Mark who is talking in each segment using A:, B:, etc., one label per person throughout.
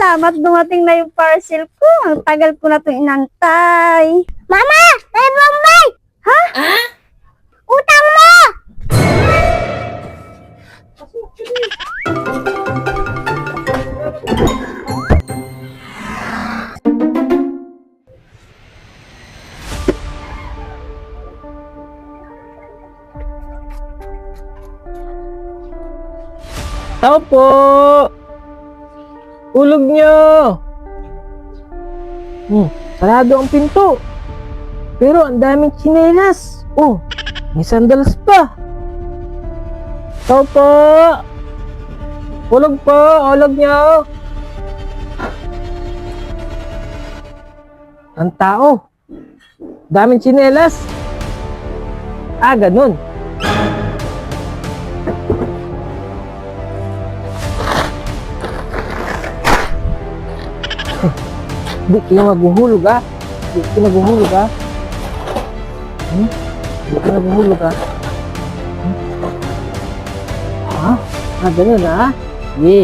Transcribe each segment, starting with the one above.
A: salamat dumating na yung parcel ko. Ang tagal ko na itong inantay. Mama! May bombay! Ha? Utang mo!
B: Tao po! Ulog nyo! Sarado ang pinto. Pero ang daming tsinelas. Oh, may sandals pa. Tao po! Ulog po! Ulog nyo! Ang tao. Daming tsinelas. Ganun. Di ka maghuhulog Di ka maghuhulog Di ka maghuhulog Ganun Ye.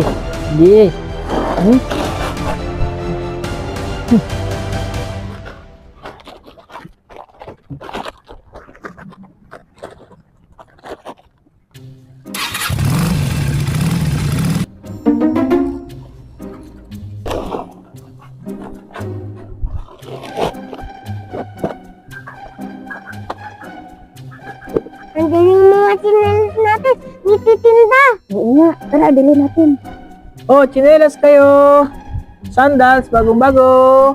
A: Andiyan yung mga tsinelas natin. Nititinda. Oo nga. Tara, bili natin.
B: Oh, tsinelas kayo. Sandals, bagong-bago.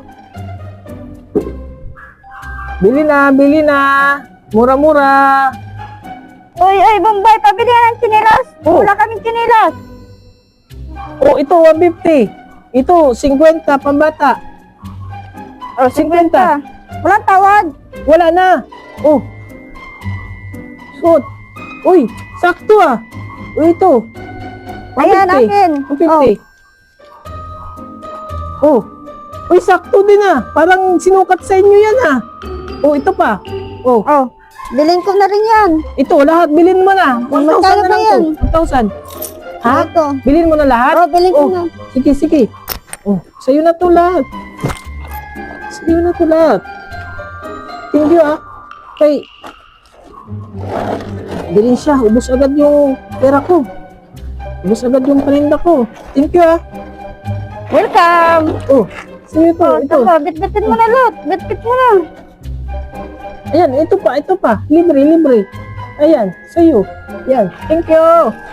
B: Bili na. Mura-mura.
A: Oy, Bombay, pabili ka ng tsinelas.
B: Oh.
A: Wala kaming tsinelas.
B: Oh, ito 150. Ito 50 pambata.
A: Oh, 50. Walang tawad.
B: Wala na. Oh. Suot. Uy, sakto Uy, ito.
A: Ayan,
B: 150.
A: akin.
B: 150. Oh. Uy, sakto din Parang sinukat sa inyo yan Oh, ito pa. Oh.
A: Oh, bilhin ko na rin yan.
B: Ito, lahat bilhin mo na. 1,000
A: Magkano
B: na
A: ba
B: lang
A: yan?
B: to. 1,000. Ha?
A: Ito.
B: Bilhin mo na lahat?
A: Oh, bilhin ko na.
B: Sige. Oh, sa'yo na to lahat. Sa'yo na to lahat. Thank you Kay, bilhin siya. Ubus agad yung pera ko. Ubus agad yung paninda ko. Thank you
A: Welcome.
B: Oh, sa'yo to.
A: Oh,
B: Ito.
A: ito. Bit-bitin mo na, Lot. Bit-bit mo na.
B: Ayan, ito pa. Libre. Ayan, sa'yo. Yan. Thank you.